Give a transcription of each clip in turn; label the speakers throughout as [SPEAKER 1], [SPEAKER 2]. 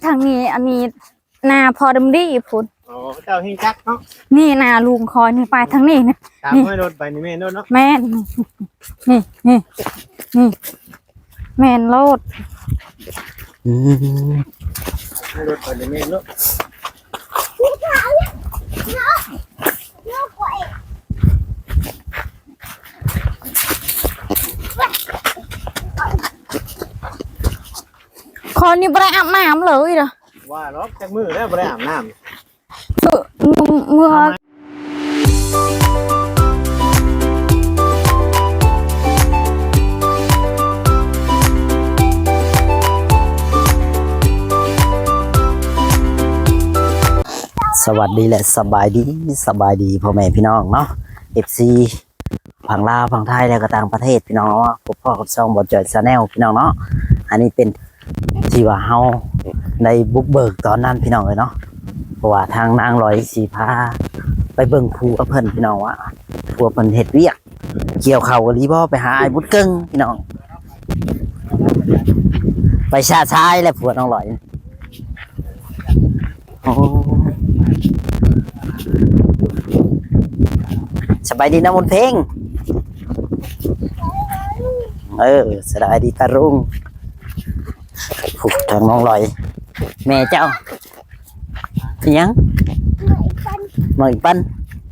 [SPEAKER 1] ทางนี้อันนี้นาพอดมดีพุ่น
[SPEAKER 2] อ๋อเจ้าเฮงจักเนาะ
[SPEAKER 1] นี่นาลุงคอยนี่ไปทางนี้นะ
[SPEAKER 2] ตามให้รถไปนี่แม่นเนาะ
[SPEAKER 1] แม่นนี่แม่นโลด
[SPEAKER 2] ให้รถไปนี่แม่นเนาะ
[SPEAKER 1] คนนี้บ่ได้อาบน้ำเลยเหรอ
[SPEAKER 2] ว่าล็อกจากมือแล้วบ่ได้อาบน้ำ
[SPEAKER 1] เมื่อ
[SPEAKER 3] สวัสดีและสบายดีพ่อแม่พี่น้องเนาะ FC ฝั่งลาวฝั่งไทยแล้วก็ต่างประเทศพี่น้องเนาะพบพ่อกับช่องบ่จอยชาแนลพี่น้องเนาะอันนี้เป็นที่ว่าเฮาในบุกเบิกตอนนั้นพี่น้องเลยเนาะเพราะว่าทางนางลอยสีพาไปเบิ่งภูกับเพิ่นพี่น้องว่าภูเพิ่นเฮ็ดเวียกเกี่ยวข้าวกับลีบ่ไปหาไอ้บุญเกิ้งพี่น้องไปชาชายและผัวน้องลอยโอ้สบายดีนะมนเพลงสบายดีตารุ่งผูกทางน้องลอยแม่เจ้ายังมาอีกปั้น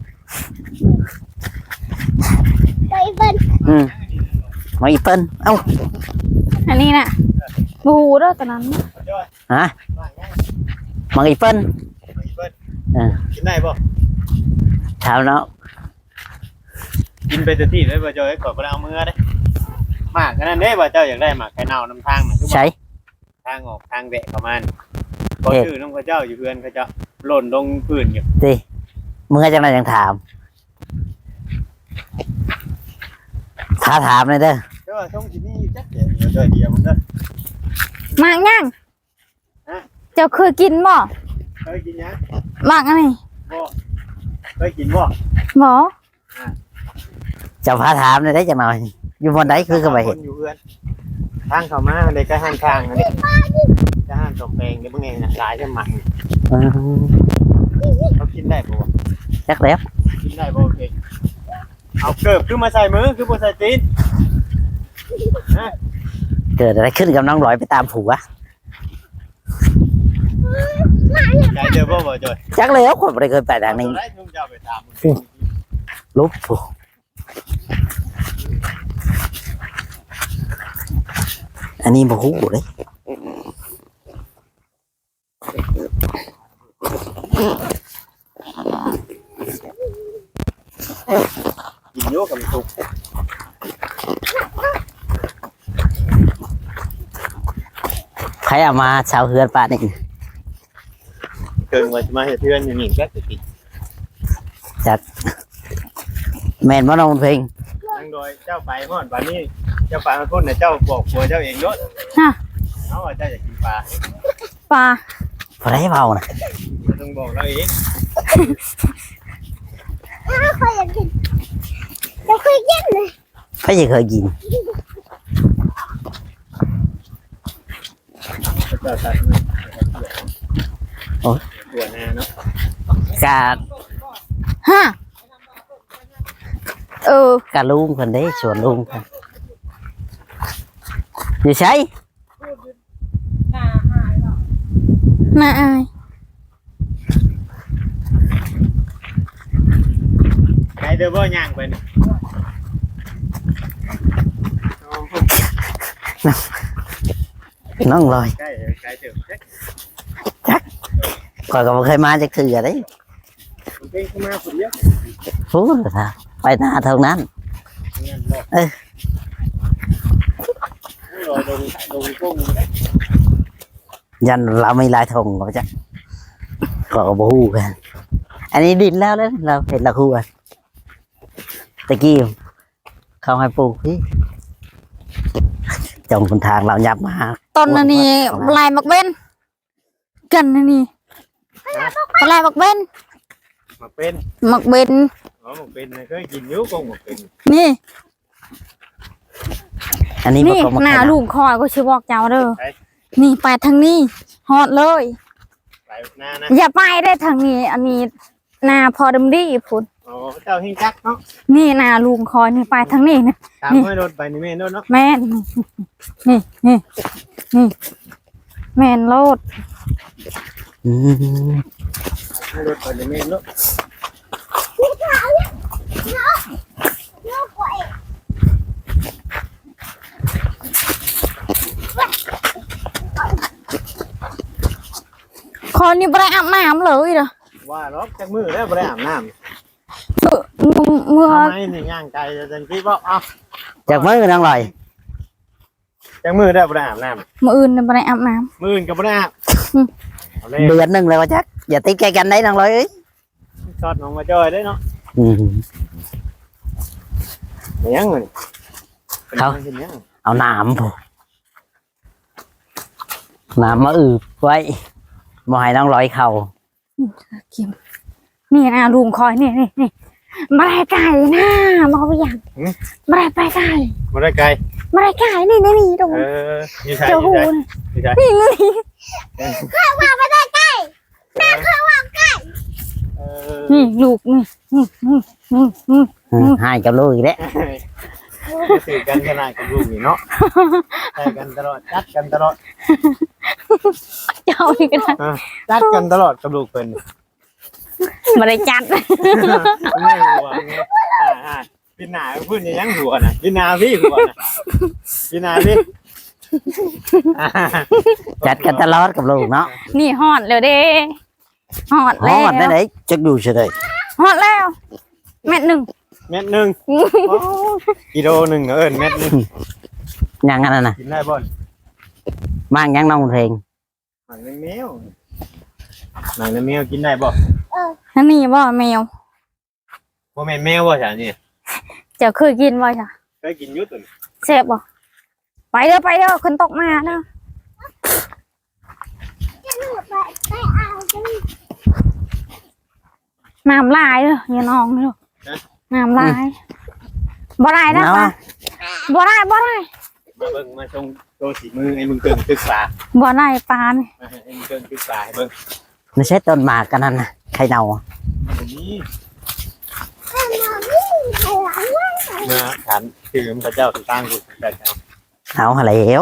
[SPEAKER 3] มาอีกปั้นเอ้า
[SPEAKER 1] อันนี้น่ะบูเด้อตอนนั้น
[SPEAKER 3] ฮะมาอีกปั้น
[SPEAKER 2] กินได้ป่ะ
[SPEAKER 3] เช้าเนาะ
[SPEAKER 2] กินไปแต่ที่เลยบ่จอยก่อนบ่ได้เอามือได้หมากกันนั่นเด้บ่เจ้าอยากได้หมากไข่เน่าน้ำทางน่ะ
[SPEAKER 3] ใช่
[SPEAKER 2] ทางออกทางแวะประมาณบ่ชื่อน้องเขาเจ้าอยู่เพื่อนเขาเจ้าหล่นลงพื้นอยู่
[SPEAKER 3] สิมึงจังได๋ยังถามถ้าถามเลยเด้อ
[SPEAKER 2] เจ้าช่องที่นี่จักเดียวมันเด้อ
[SPEAKER 1] มากยังเจ้าเคยกินบ่
[SPEAKER 2] เคยกินยัง
[SPEAKER 1] มากอันนี้
[SPEAKER 2] บ่เคยกินบ่
[SPEAKER 1] บ่
[SPEAKER 3] จะพาถามเลยได้จังหน่อยอยู่บนไหนคือก็ไปเห็น
[SPEAKER 2] อยู่เพื่อนทางเข้ามาเด็กก็ห้างข้างอันนี้จะห้างสมแปลงเดี๋ยวมึงไงนะหลายจะหมักเขากินได้ป่ะ
[SPEAKER 3] จักแล้ว
[SPEAKER 2] กินได้ป่ะโอเคเอาเกิบขึ้นมาใส่มือคือบ่ใส่ตีน
[SPEAKER 3] เกิดอะไรขึ้นกับน้องลอยไปตามผัว
[SPEAKER 2] ใจเดือบ่บ่จอย
[SPEAKER 3] จักแล้วคนไม่เคยไปทางนี้ลุบผัวอันนี้บ่ฮู้เลย
[SPEAKER 2] กินโยกับสุก
[SPEAKER 3] ใครเอามาชาวเฮือนป่านี่
[SPEAKER 2] เกินว่าจะมาเฮ็ดเพื่อนอยู่นี่ก็จะกิน
[SPEAKER 3] จัดแม่นบ่น้องเพลง
[SPEAKER 2] ทางโดยเจ้าไปฮอดบัดนี้เจ้าไปมาคนน่ะเจ้าบอกผัวเจ้าเองเนาะเอาว่าเจ้าอยากกินปลา
[SPEAKER 1] บ่
[SPEAKER 3] ได้เว้านะ
[SPEAKER 2] ต้องบอกเราเอง
[SPEAKER 1] เคยกินจะเคยกินเลย
[SPEAKER 3] ใครจะเคยกินโอ้
[SPEAKER 2] ตัวหน้าเนาะ
[SPEAKER 3] กาด
[SPEAKER 1] ฮะ
[SPEAKER 3] กาลุงคนได้ชวนลุงคนอยู่ใช่
[SPEAKER 1] น่าอาย
[SPEAKER 2] ใครเด้อบ่ย่างไปนี่
[SPEAKER 3] น้องลอย
[SPEAKER 2] ใกล้ถึง
[SPEAKER 3] จักก่อนก็บ่เคยมาจักคืออะไร
[SPEAKER 2] เป็นขึ้นมาคนเดียว
[SPEAKER 3] ฟูท่าไปหน้าเท่านั้นยันเราไม่ลายทงหรอกจ้ะก็บ่ฮู้กันอันนี้ดินแล้วเราเห็นละคู่อ่ะตะกี้เขาให้ปลูกพี่จงคนทางเรายับมา
[SPEAKER 1] ต้นนี้ลายมักเบ้นกันนี่ลายมักเบ้น
[SPEAKER 2] มักเป็น
[SPEAKER 1] มักเบ้น
[SPEAKER 2] อ๋อมักเป็นเคยกินอยู่ก็มักเป็น
[SPEAKER 1] นี่
[SPEAKER 3] อันนี้
[SPEAKER 1] หน้าลูกคอยก็ชื่อบอกเจ้าเด้อนี่ไปทางนี้ฮอดเลย
[SPEAKER 2] ไปหน้านะ
[SPEAKER 1] อย่าไปได้ทางนี้ อันนี้นาพอดมดีพุ่น
[SPEAKER 2] โอ้เจ้าเฮงจักเนาะ
[SPEAKER 1] นี่นาลุงคอยนี่ไปทางนี้นะ
[SPEAKER 2] ตามให้รถไปนี่แม่นรถเนาะ
[SPEAKER 1] แม่นนี่นี่นี่แม่นโลด
[SPEAKER 3] อืม
[SPEAKER 2] ให้รถไปนี่แม่นรถ
[SPEAKER 1] คอยนี่บ่ได้อาบน้ำเลยเด้อ
[SPEAKER 2] ว่าล็อกจากมือแล้วบ่ได้อาบน้ำ
[SPEAKER 1] เมื่อ
[SPEAKER 2] ทำไมนี่ย่างไกลจังที่บ่เอา
[SPEAKER 3] จากมือน้องลอย
[SPEAKER 2] จากมือได้บ่ได้อาบน้
[SPEAKER 1] มื้ออื่นนี่บ่ได้อาบน้
[SPEAKER 2] ำมืออื่นก็บ่ได้อาบเอาเลย
[SPEAKER 3] เดือนหนึ่งเลยว่าจักอย่าติดแกกันได้น้องลอยเอ้ย
[SPEAKER 2] ช็อตน้องมาจอยได้เนาะ
[SPEAKER 3] อืม
[SPEAKER 2] เป็นยังไง
[SPEAKER 3] เขา
[SPEAKER 2] เป็นยัง
[SPEAKER 3] เอาน้ำผมน้ำมาอืบไว้บ่ให้น้องลอยเข่า
[SPEAKER 1] ำกินนี่นะลุงคอยนี่บ่ได้ไก่นะบ่ไปอย่างบ่ได้ไปไก่
[SPEAKER 2] บ่ได้ไกล
[SPEAKER 1] บ่ได้ไก่นี่ตรง
[SPEAKER 2] อยู่ใช่
[SPEAKER 1] เจ้า
[SPEAKER 2] อยู่
[SPEAKER 1] หู
[SPEAKER 2] ใช่
[SPEAKER 1] นี่
[SPEAKER 2] อยู่ใช่
[SPEAKER 1] นี่
[SPEAKER 2] เออ
[SPEAKER 1] นี่ลูกนี่
[SPEAKER 3] ให้กับลูกอีกแล้ว
[SPEAKER 2] สื่อกันขนาดกับลูกนี่เนาะใช่กันตลอดจัดกันตลอด
[SPEAKER 1] เจ้านี่ก็ได้
[SPEAKER 2] จัดกันตลอดกับลูกเพิ่น
[SPEAKER 1] บ่ได้จัด
[SPEAKER 2] ไม่หัวไงพี่หนาพูดยังหัวนะพี่นาพี่หัวนะพี่นาพี่
[SPEAKER 3] จัดกันตลอดกับลูกเนาะ
[SPEAKER 1] นี่ฮอดแล้วเด้ฮอด
[SPEAKER 3] ฮ
[SPEAKER 1] แล้ว
[SPEAKER 3] อดได้ไหนจักดูเฉย
[SPEAKER 1] ฮอดแล้วเม็ดหนึ่ง
[SPEAKER 2] เม็ดหนึ่งกิโลหนึ่งเอิญเม็ดหนึ่ง
[SPEAKER 3] ยังอันนั้นน่ะ
[SPEAKER 2] กินได้บ่น
[SPEAKER 3] มางยังน้องเพลง
[SPEAKER 2] หนังแมวหนังแมวกินได้บ่
[SPEAKER 1] นั่นนี่บ่แมว
[SPEAKER 2] บ่แม่นแมวบ่จ้ะนี่
[SPEAKER 1] เจ้าเคยกินบ่จ้ะ
[SPEAKER 2] เคยกินอยู่ตุ่น
[SPEAKER 1] แซ่บบ่ไปเด้อคนตกมาเด้อน้ำลายเด้ออย่าน้องเด้อน้ำลายบ่ได้นะ
[SPEAKER 3] เอา
[SPEAKER 1] ปะบ่ได้
[SPEAKER 2] มาเบิ่งมาชงโตสีมือไอ้มึงเกิงศึกษา
[SPEAKER 1] บ่ได้ปาน
[SPEAKER 2] ไอ้มึงเกิงศึกษาให้เบิ่ง
[SPEAKER 3] ไม่ใช่ต้นหมากกันนั่นนะใครเนา
[SPEAKER 2] อันนี้นะฉันคือพระเจ้าสุตั้งกูแต่เจ้า
[SPEAKER 3] เอาหาแล้ว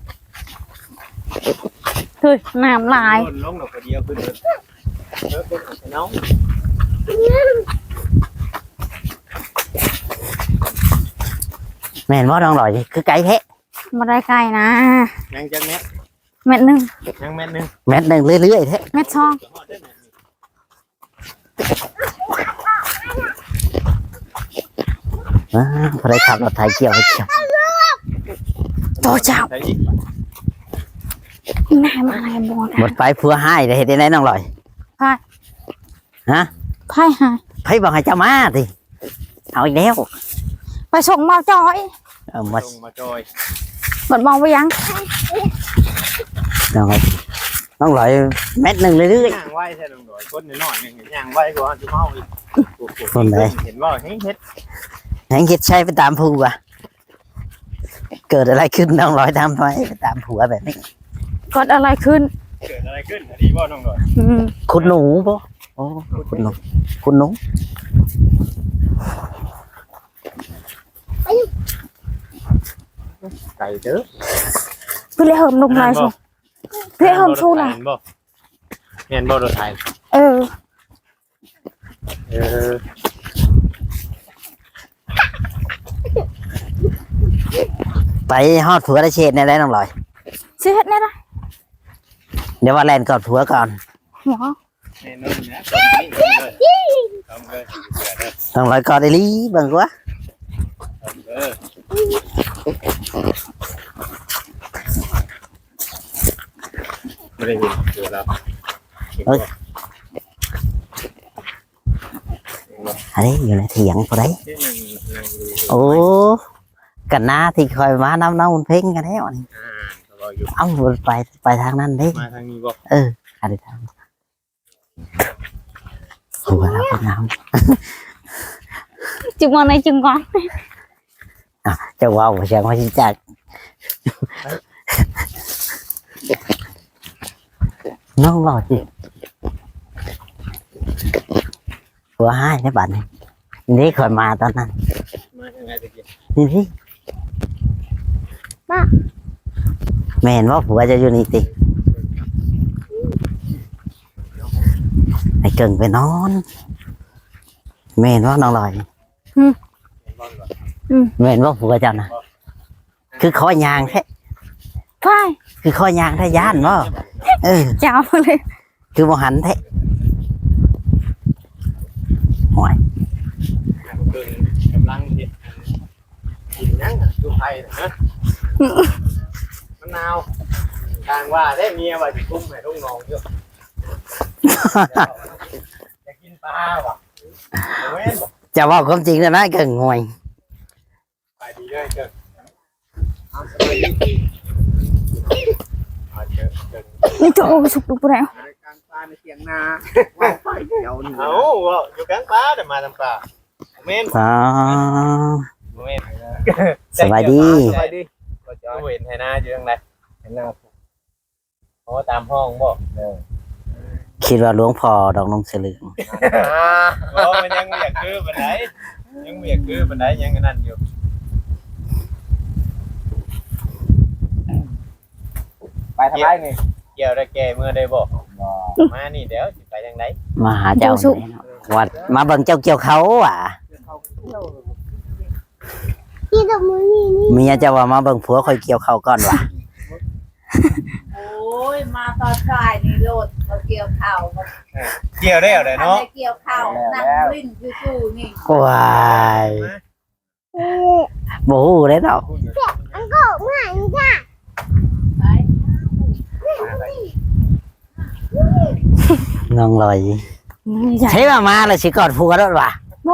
[SPEAKER 1] คือน้ำลาย
[SPEAKER 2] ลงดอกเดียวขึ้นเลยเป็นน้อง
[SPEAKER 3] แม่นว่าน้องลอยคือไก่แท้
[SPEAKER 1] บ่ได้ไก่นะ
[SPEAKER 2] ยังจะเม็ด
[SPEAKER 1] เม็ดหนึ่ง
[SPEAKER 2] ยังเม็ดนึง
[SPEAKER 3] เม็ดหนึ่งเรื่อยๆแท้
[SPEAKER 1] เม็ดช่อง
[SPEAKER 3] พอได้ขับรถไถเกี่ยวไปเกี่ยว
[SPEAKER 1] โตเจ้า
[SPEAKER 2] ใส่อีก
[SPEAKER 1] นายมาอะไรบ่
[SPEAKER 3] หม
[SPEAKER 1] ได้
[SPEAKER 3] ดไปเพื่อให้ได้เห็นได้ไหนน้องลอย
[SPEAKER 1] ไพ่
[SPEAKER 3] ฮะ
[SPEAKER 1] ไพ่หาย
[SPEAKER 3] ไผบอกให้เจ้ามาสิเอาอีกแล้ว
[SPEAKER 1] ไปส่งเบาจอย
[SPEAKER 3] เอามา
[SPEAKER 2] ลงมาจอย
[SPEAKER 1] เบิดมองไปยัง
[SPEAKER 3] น้องลอยน้องลอยเม็ดหนึ่งเรื่อย
[SPEAKER 2] ย่างไหวใช่ลงดอยคนน้อยนึงย่างไหวกว่าที่เมาอีกเห็นว่าเฮ็ด
[SPEAKER 3] ๆให้คิดใช้ไปตามผัวเกิดอะไรขึ้นน้องลอยทำไมไปตามผัวแบบนี้
[SPEAKER 1] เกิดอะไรขึ้น
[SPEAKER 2] เกิดอะไรขึ้นดีบ่น้องดอย
[SPEAKER 1] อืม
[SPEAKER 3] คุณหนูปะโอ้คุณหนูคุณหนู
[SPEAKER 2] ไก่เด้อ
[SPEAKER 1] พี่เลยเหิมลงลายสูพี่เหิมชูล่ะ
[SPEAKER 2] เห็นบ่รถไทย
[SPEAKER 1] เออ
[SPEAKER 3] ไปฮอดผัวได้เชดในไรน้องลอย
[SPEAKER 1] สิเฮ็ดแน่ล่ะ
[SPEAKER 3] เดี๋ยวว่าแลนก่อนผัวก่อน
[SPEAKER 1] หัว
[SPEAKER 2] แน่นอนนะตรงนี้เลยทำเลย
[SPEAKER 3] น้องลอยก่อนได้ลีเบิ่งวะ
[SPEAKER 2] ไม่ได้เห็นเดี๋ยวเรา
[SPEAKER 3] อันนี้อยู่ในเถียงพอได้โอ้กันหน้าที่คอยมาน้ำน้องมันเพ่งกันแล้วนี่เอ้าไปทางนั้นดิ
[SPEAKER 2] มาทางนี้บอก
[SPEAKER 3] อะไรทางหัวเราเป็นน้
[SPEAKER 1] จึงมาในจึงก่อน
[SPEAKER 3] ำจะว้าวเสียงว่าชิจักน้องรอจิผัวให้ในบัดนี้นี่คอยมาตอนนั้น
[SPEAKER 2] มายังไงตะกี้
[SPEAKER 3] นี่สิ
[SPEAKER 1] ป้า
[SPEAKER 3] แม่เห็นว่าผัวจะอยู่นี่ติไอ้เก่งไปนอนแม่เห็นว่าน้องลอย
[SPEAKER 2] เห็นบ่ก่อน
[SPEAKER 3] แม่เห็นว่าผัวเจ้านะคือคอยางแท้
[SPEAKER 1] ไป
[SPEAKER 3] คือคอยางแท้ย่านบ่เออ
[SPEAKER 1] จับเลย
[SPEAKER 3] คือบ่หันแท้หวย
[SPEAKER 2] เพิ่นกำลังเฮ็ดกินหยังอยู่ไผนะมะนาวทางว่าได้เมียว่าสิคุ้มให้ลูกน้องอยู่จะกินปลาบ่เว้นบ่
[SPEAKER 3] จะว่าความจริงนะเก่งงวย
[SPEAKER 2] ไปดีเลยเกิดเอาสบายดีเอาเกิด
[SPEAKER 1] นี่ตัวสุกดูแล้ว
[SPEAKER 4] รายการปลาในเสียงนาว่าไปเดียวนี่
[SPEAKER 2] เอาว่าอยู่กลางป่าเดี๋ยวมาทำป่าเม่น
[SPEAKER 3] อ๋อ
[SPEAKER 2] เม่น
[SPEAKER 3] สบายดี
[SPEAKER 4] สบายดี
[SPEAKER 2] ก็จะเห็นไทยนาอยู่ตรงไหนไทยนาโอ้ตามห้องบ่
[SPEAKER 3] คิดว่าหลวงพ่อดอกนงเสลือง
[SPEAKER 2] โอ้มันยังไม่อยากคือปันไดยังไม่อยากคือปันไดยังนั่นอยู่
[SPEAKER 4] ไปทำไรนี่
[SPEAKER 2] เกี่ยวได้แก่เมื่อได้บอกมานี่เดี๋ยวสิไปทางไหน
[SPEAKER 3] มาหาเจ้านี่เนาะวัดมาเบิ่งเจ้าเกี่ยวเขาอ่ะ
[SPEAKER 1] นี่ดอกมือนี่นี่
[SPEAKER 3] เมียเจะว่ามาเบิ่งผัวคอยเกี่ยวเขาก่อนว่ะ
[SPEAKER 5] โอ้ยมาตอนสายนี่โลดมาเกี่ยวข้าวมา
[SPEAKER 2] เกี่ยวได้เอาได้
[SPEAKER 5] ทำ
[SPEAKER 2] เนาะ
[SPEAKER 5] ให้เกี่ยวข้าวนั่งลิ้นจู่ๆนี่
[SPEAKER 3] ว้ายบ่ฮู้เลยเนาะ
[SPEAKER 5] ไป
[SPEAKER 3] น้องลอย
[SPEAKER 1] ใหญ่
[SPEAKER 3] ใช่ว่ามาแล้วสิกอดผัวแล้วว่ะ
[SPEAKER 1] โบ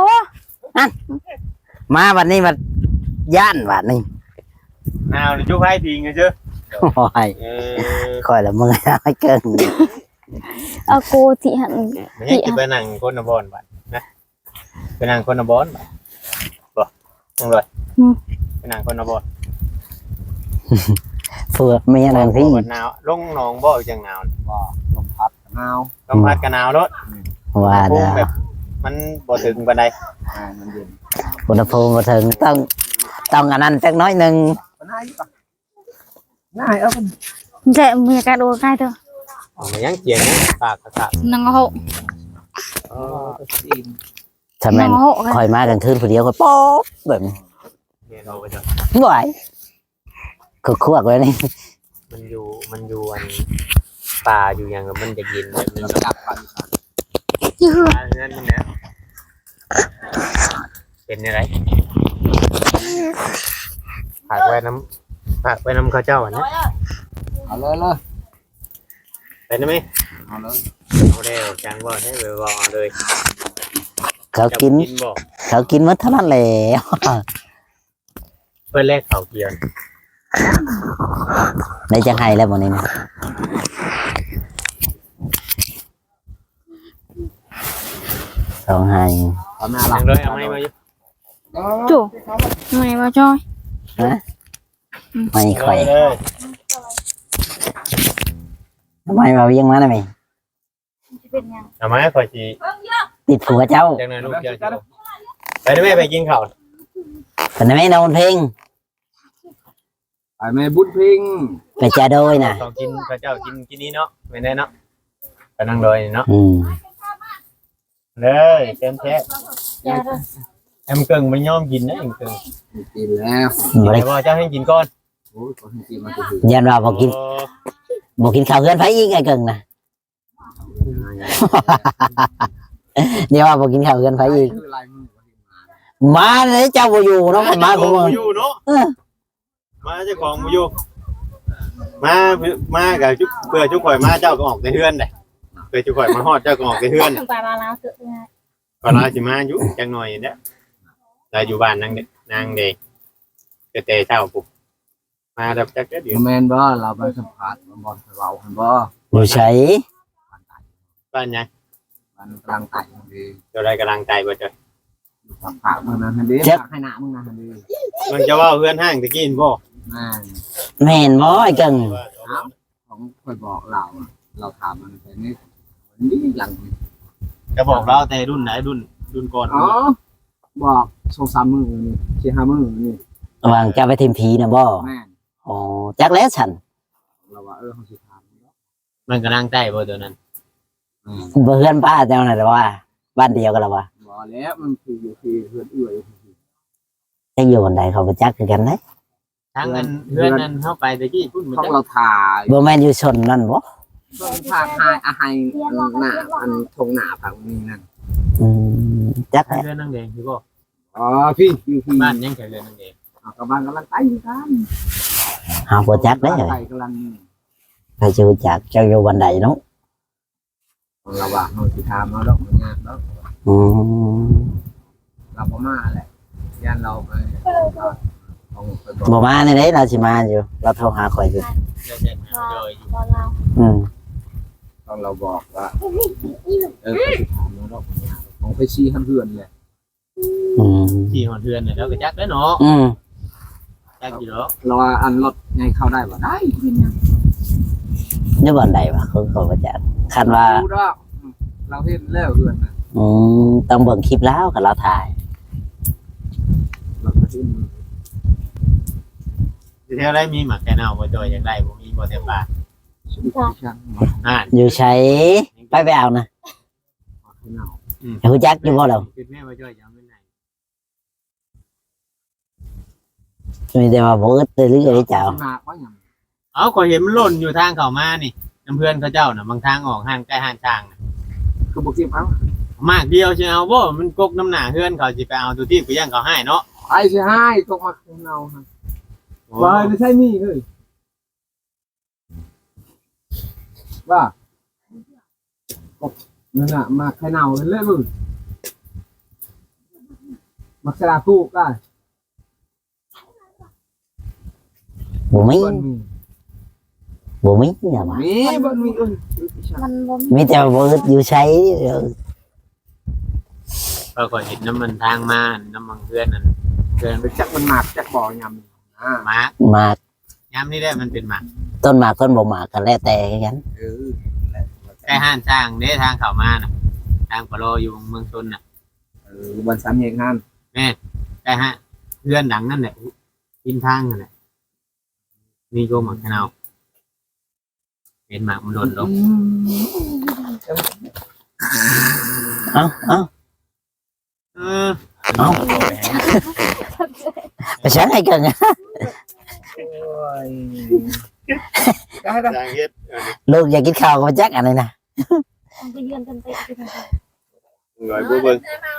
[SPEAKER 3] มาวันนี้มันย่านว่ะนี่
[SPEAKER 2] เอาจุ๊บให้ทีไงเจ้า
[SPEAKER 3] โอ้ยคอยละมึงให้เกิน
[SPEAKER 1] เอาโกติหัน
[SPEAKER 2] ไม่ใช่จะไปนั่งคนนบอนบัดนะไปนั่งคนนบอนบัดบ่นั่งเลยไปนั่งคนนบอน
[SPEAKER 3] ผัวเมียนั่นสิ
[SPEAKER 2] หนาวลงหนองบ่จังหนาว
[SPEAKER 4] บ่ลมพัดหนาว
[SPEAKER 2] ลมพัดกันหนาวรถ
[SPEAKER 3] ว่า
[SPEAKER 2] ภู
[SPEAKER 3] เด้
[SPEAKER 2] มิ
[SPEAKER 3] อ
[SPEAKER 2] แบบมันบ่ถึงปานใด
[SPEAKER 4] มันเย็น
[SPEAKER 3] อุณหภูมิบ่ถึงต้องอันนั้นจักน้อยหนึง
[SPEAKER 4] มันง่ายปะง่ายเอา
[SPEAKER 1] เจ๊มีการโดนใกล้เถอะ
[SPEAKER 2] มันยังเจียงยังปากกระทะ
[SPEAKER 1] นังหก
[SPEAKER 4] ซีน
[SPEAKER 3] ถ้าแม่น
[SPEAKER 1] นังหก
[SPEAKER 3] คอยมากลางคืนผู้เดียวก็ป๊อบแบบนี้
[SPEAKER 2] เนี่ยเราไปจ้ะ
[SPEAKER 3] บ่ไหวคือควักไว้นี่
[SPEAKER 2] มันอยู่อันป่าอยู่อย่างกับมันจะกินแบบมัน
[SPEAKER 4] จับปัน
[SPEAKER 1] ยืด
[SPEAKER 2] เงินมันเนี่ยเป็นอะไรฝากไว้น้ำข้าวเจ้าอันนี้
[SPEAKER 4] เอาเลยเลย
[SPEAKER 2] เป็นไหม
[SPEAKER 4] เอาเลย
[SPEAKER 2] เอาได้จังบ่ให้ไปบอกเอาเลย
[SPEAKER 3] เขากิน
[SPEAKER 2] บ่
[SPEAKER 3] เขากินหมดเท่านั้นแหละ
[SPEAKER 2] เพื่อแลกเขาเกียน
[SPEAKER 3] ในจังไห้แล้วหมดนี้นะสองไห้
[SPEAKER 4] เอาหน้า
[SPEAKER 2] ยั
[SPEAKER 4] หลั
[SPEAKER 2] ง
[SPEAKER 4] ง
[SPEAKER 2] เลยเอาไม้มาอยู่
[SPEAKER 1] จู่ไม่มาจอย
[SPEAKER 3] ไม่ค่อย
[SPEAKER 2] เลย
[SPEAKER 3] ทำไมมาเวียงมาได้ไหม
[SPEAKER 1] จะเป็นยัง
[SPEAKER 2] เอาไม้คอยจี
[SPEAKER 3] ติดผัวเจ้า
[SPEAKER 2] จังเลยลูกเจ้าไปได้ไหมไปกินข้าว
[SPEAKER 3] เป็นไหมนอนเพลง
[SPEAKER 4] ไอ้แม่บุญพิง
[SPEAKER 3] ไปจ่าโดยนะ
[SPEAKER 2] ต้องกินข้าวเจ้ากินนี้เนาะไม่ได้เนาะไปนั่งโดยเนาะ
[SPEAKER 3] อืม
[SPEAKER 2] เลยเต็มแท้
[SPEAKER 1] อย่าเถอะ
[SPEAKER 2] แอมเกิงมันย่อมกินนะแอมเกิง
[SPEAKER 4] กินแล้ว
[SPEAKER 3] บ่ได้
[SPEAKER 2] แต่ว่าเจ้าให้กินก่อน
[SPEAKER 4] โอ้ยคนกินมันจะถึง
[SPEAKER 3] ยันว่าบอกกินข้าวเพื่อนไผอีกไอ้เกิงนะเดี๋ยวว่าบอกกินข้าวเพื่อนไผอีก
[SPEAKER 4] คือลายมือ
[SPEAKER 3] มาเลยเจ้าบ่อยู่เนาะมาของมึง
[SPEAKER 2] อยู่เนาะมาเจ้าของมาอยู่มากับจุ๊บเพื่อจุ๊บข่อยมาเจ้าก็ออกในเฮือนเลยเพื่อจุ๊บข่อยมาฮอดเจ้าก็ออกในเฮือน
[SPEAKER 1] ไปมาแล้วเถอะ
[SPEAKER 2] ก็ลาสิมาอยู่จังหน่อยเด้อเราอยู่บ้านนางเด็กก็แต่เช้าปุ๊บมาดับจักเดี๋ยว
[SPEAKER 4] แมนบ่เราไปสัมผัสบอลเราเห็นบ่
[SPEAKER 3] อยู่ใช้
[SPEAKER 2] บ้านยัง
[SPEAKER 4] มันกลางไต่ดี
[SPEAKER 2] เจ้าได้กำลังใจบ่เจ้า
[SPEAKER 4] อยู่ผักผักมึงนะฮันดีผักให้หน้ามึงนะฮันดี
[SPEAKER 2] มันจะว่าเพื่อนห้างตะกี้บ่
[SPEAKER 4] แม่
[SPEAKER 3] แม่นบ่ไอ้เกิง
[SPEAKER 4] ของคนบอกเราเราถามมันแต่นี่หลัง
[SPEAKER 2] จะบอกเราแต่รุ่นไหนรุ่นก่อน
[SPEAKER 4] อ๋อบอก2-3 มื้อนี่4-5 มื้อนี่
[SPEAKER 3] วางจะไปทีมผีนะบ่
[SPEAKER 4] แม่น
[SPEAKER 3] อ๋อจักแล้วฉัน
[SPEAKER 4] เราว่าเขาสิถาม
[SPEAKER 2] มันก็นั่งใต้บ่ตัวนั้น
[SPEAKER 3] เพื่อนป้าเจ้าน่ะแต่ว่า บ้านเดียวกันแล้ววะ
[SPEAKER 4] บ่แล้วมันคืออยู่ที่เพื่อนเอื้อย
[SPEAKER 3] จะอยู่วันใดเขาไปจักคือกันนะ
[SPEAKER 2] ทั้งเงินเพื่อนนั้นเข้าไปตะกี้พุ่นมัน
[SPEAKER 4] ต้อง
[SPEAKER 2] จะ
[SPEAKER 4] เราถ่าย
[SPEAKER 3] บ่แม่นอยู่ชนนั่นบ่
[SPEAKER 4] ต้องถ่ายอาหารหน้าอันทงหน้าผังนี้นั่น
[SPEAKER 3] อืมจัก
[SPEAKER 2] เพื่อนนั่งแดงพี่บ่
[SPEAKER 4] อ๋อพี่
[SPEAKER 2] บ้านยังแถวเรือนนั่งแดง
[SPEAKER 4] กำลังไปกัน
[SPEAKER 3] หาบ่จักได้
[SPEAKER 4] ไปกำลัง
[SPEAKER 3] ใครจะรู้จักเจ้าอยู่วันใดเนาะ
[SPEAKER 4] เราว่าเราสิถามเราดอกงานแล้ว
[SPEAKER 3] อืม
[SPEAKER 4] เราบ่มาแหละยันเราไปของไปบอก
[SPEAKER 3] บ่มาในเด้เราสิมาอยู่เราโทรหาข่อยอยู่
[SPEAKER 2] เดี๋ยวจะหาเลยอยู่
[SPEAKER 5] ตอนเรา
[SPEAKER 3] อืม
[SPEAKER 4] ตอนเราบอกว่าเขาสิถามเราดอกงานของไปชี้เพื่อนเลย
[SPEAKER 3] อืม
[SPEAKER 2] ที่หอนเทือนเนี่ยแล้วก็จักแล้วเนาะ
[SPEAKER 3] อืม
[SPEAKER 2] จักอยู่แล้ว
[SPEAKER 4] เราว่าอันรถไงเข้าได้บ่ได้เป็นยัง
[SPEAKER 3] อยู่วันใดวะเขาบ่จักคันว่า
[SPEAKER 4] รู้ดอกเราเห็นแล้วเพื่อนนะ
[SPEAKER 3] อืมต้องเบิ่งคลิปแล้วกับเราถ่าย
[SPEAKER 4] เราก็เห็น
[SPEAKER 2] ที่แถวไรมีหมักแค่เน่าบ่จอยอย่างไรบ่มีบ่เต็มปาก
[SPEAKER 4] ชีวิตที่ช่างมา
[SPEAKER 2] อ่า
[SPEAKER 3] อยู่ใช้ไปเอานะ
[SPEAKER 4] ให้เนา
[SPEAKER 3] หูจักอยู่บ่เรา
[SPEAKER 2] คือแม่บ่จอยจะเอาไปไหน
[SPEAKER 3] มีแต่ว่าบ่อึดเรื่อยๆได้เจ้า
[SPEAKER 4] หนักว่าอย่าง
[SPEAKER 2] เอาก็เห็นมันหล่นอยู่ทางเข้ามานี่น้ำเพื่อนเขาเจ้าน่ะบางทางออกห้างใกล้ห้างช้างน่ะ
[SPEAKER 4] คือบุกทีมเอา
[SPEAKER 2] มากเดียวสิเอาบ่มันกกน้ำหน้าเฮือนเขาสิไปเอาตัวที่กูย่างเขาให้เนาะ
[SPEAKER 4] ไอ้เสียให้ตกมาเนาฮะว่าไม่ใช่นี่เลยว่านั่นน่ะมาใครเนาเล่นมึงมาสลาคู่กัน
[SPEAKER 3] บ่มี
[SPEAKER 4] บนมี
[SPEAKER 3] บ่มีเนี่ยว่า
[SPEAKER 4] มีบนมีเอ้ย
[SPEAKER 5] มันบ่มี
[SPEAKER 3] มีแต่ว่าบ่อึดอยู่ใช้
[SPEAKER 2] เราก็เห็นน้ำมันทางมาน้ำมันเพื่อนนั่นเพื่อน
[SPEAKER 4] ไปจักมันหมากจักบ่อยำอ่า
[SPEAKER 2] หมาก
[SPEAKER 3] หมาก
[SPEAKER 2] ย้ำนี่ได้มันเป็นหมาก
[SPEAKER 3] ต้นหมากต้นบ่หมากกันแล้วแต่กัน
[SPEAKER 4] เออ
[SPEAKER 2] ใกล้ห้างช้างเด้ทางเข้ามาน่ะทางปะโลอยู่เมืองชนน่ะ
[SPEAKER 4] วันสามแยกงาน
[SPEAKER 2] ใกล้ฮะเพื่อนดังนั่นแหละกินทางนั่นแหละนี่ก็หมักแค่เน่าเป็นหมากมันหล่นลง
[SPEAKER 3] เอ้าเอ้า
[SPEAKER 2] เออ
[SPEAKER 3] เอ้าไปใช้ให้กันนะ
[SPEAKER 4] ได้ได้
[SPEAKER 2] ทางเฮ็ด
[SPEAKER 3] ลูกอยากกินข้าวก็มาจักอันนี้นะ
[SPEAKER 5] มันไปเยือนกันไปที่ไหน
[SPEAKER 2] หน่อยบ่เบิ่ง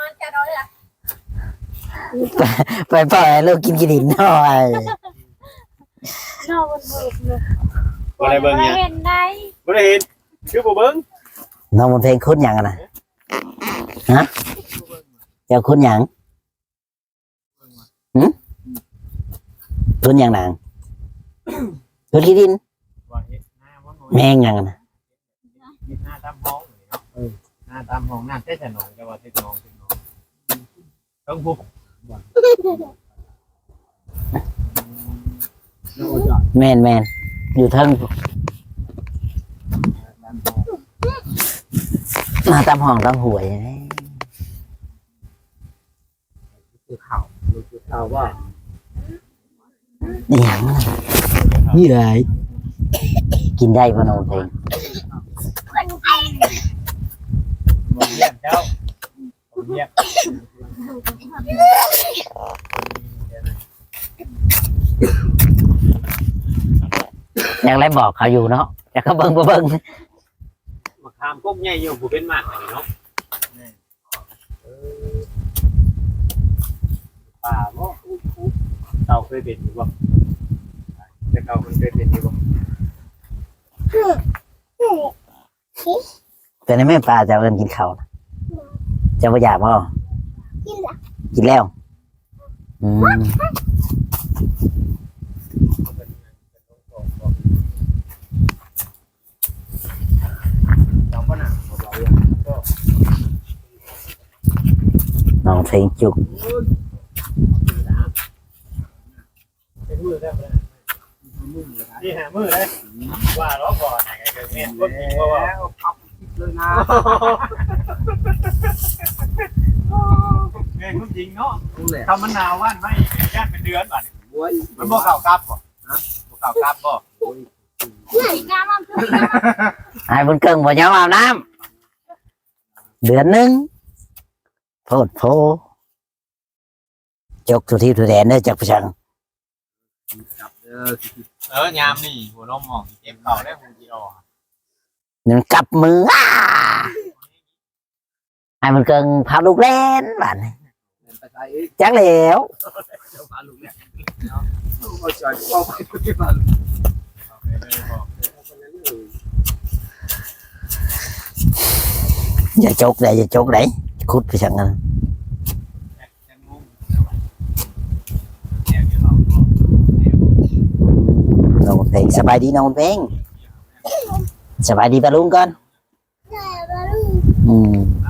[SPEAKER 3] ไปปล่อยให้ลูกกินกินดินหน่อย
[SPEAKER 5] นอกมันเบิกเลย
[SPEAKER 2] บ่ได้เบิ่งเนี่ย
[SPEAKER 5] เห็นได้
[SPEAKER 2] บ่ได้เห็นคือบ่เบิ่ง
[SPEAKER 3] น้องมันเพลงคุ้นหยังอะนะฮะเจ้าคุ้นหยังคุ้นหยังนางคุ้นขี้ดิน
[SPEAKER 2] บ่เห็นหน้าบ่หน่อย
[SPEAKER 3] แมงหยังอะนะ
[SPEAKER 2] เห็นหน้าตามห้องนี่เนาะหน้าตามห้องน้ำเต้นแต่หนองจะว่าเต้นหนองต้องพุก
[SPEAKER 3] แมนอยู่เทิงมาตามห้องตามหวย
[SPEAKER 4] คือข่าวคือข่าวว่า
[SPEAKER 3] นี่หยังน่ะนี่ไรกินได้ปะน้องเพลง
[SPEAKER 2] บ่เยี่ยมเจ้าบ่เยี่ยม
[SPEAKER 3] ยังไรบอกเขาอยู่เนาะแต่เขาเบิ่งบ่เบิ่ง
[SPEAKER 2] มะขามกกใหญ่อยู่ผู้เป็นมากอันนี้เนาะป่าบ่เต่าเคยเป็นอยู่บ่แต่เต่ามันเคยเป็นอยู่บ่
[SPEAKER 3] แต่ในแม่ปลาจะเอาเงินกินข้าวนะจะบ่อยากบ่กินแล้วอืม
[SPEAKER 4] เราก็หนักเรา
[SPEAKER 3] น้องเพลงจุก
[SPEAKER 2] เป็นมือได้บ่นี่หามือเลยว่าล้อก่อนไงเกิดเมียนคนจริงเพราะว่า
[SPEAKER 4] ขับเลยนะ
[SPEAKER 2] เมียนคนจริงเนาะ
[SPEAKER 4] นั่นแหละ
[SPEAKER 2] ทำมะนาวว่านไม่ญาติเป็นเดือนป่ะ
[SPEAKER 4] โว้ย
[SPEAKER 2] มันบ่ข่าวกลับป่ะฮะบ่ข่าวกลับป่ะ
[SPEAKER 3] ไอ้บนเกิงบ่ยอมอาบน้ำเดือนหนึงโพดโพจกทุทีทุแดนเด้อจากผู้ชัง
[SPEAKER 4] จับ
[SPEAKER 2] ยามนี่หัวนมมองเจ็บเข่าได้คงจีออก
[SPEAKER 3] นั่นกลับมือไอ้บนเกิงพาลูกเล่นบ้านนี้
[SPEAKER 4] ไปใส่อีก
[SPEAKER 3] จักแล้ว
[SPEAKER 4] เดี๋ยวพาลูกเนี่ยเอาใจเข้าไปที่บ้าน
[SPEAKER 3] อย่าจกได้อย่าจกได้คุดผู้ชังกันน้องเพลงสบายดีน้องเพลงสบายดีปะลุงก่อนอืม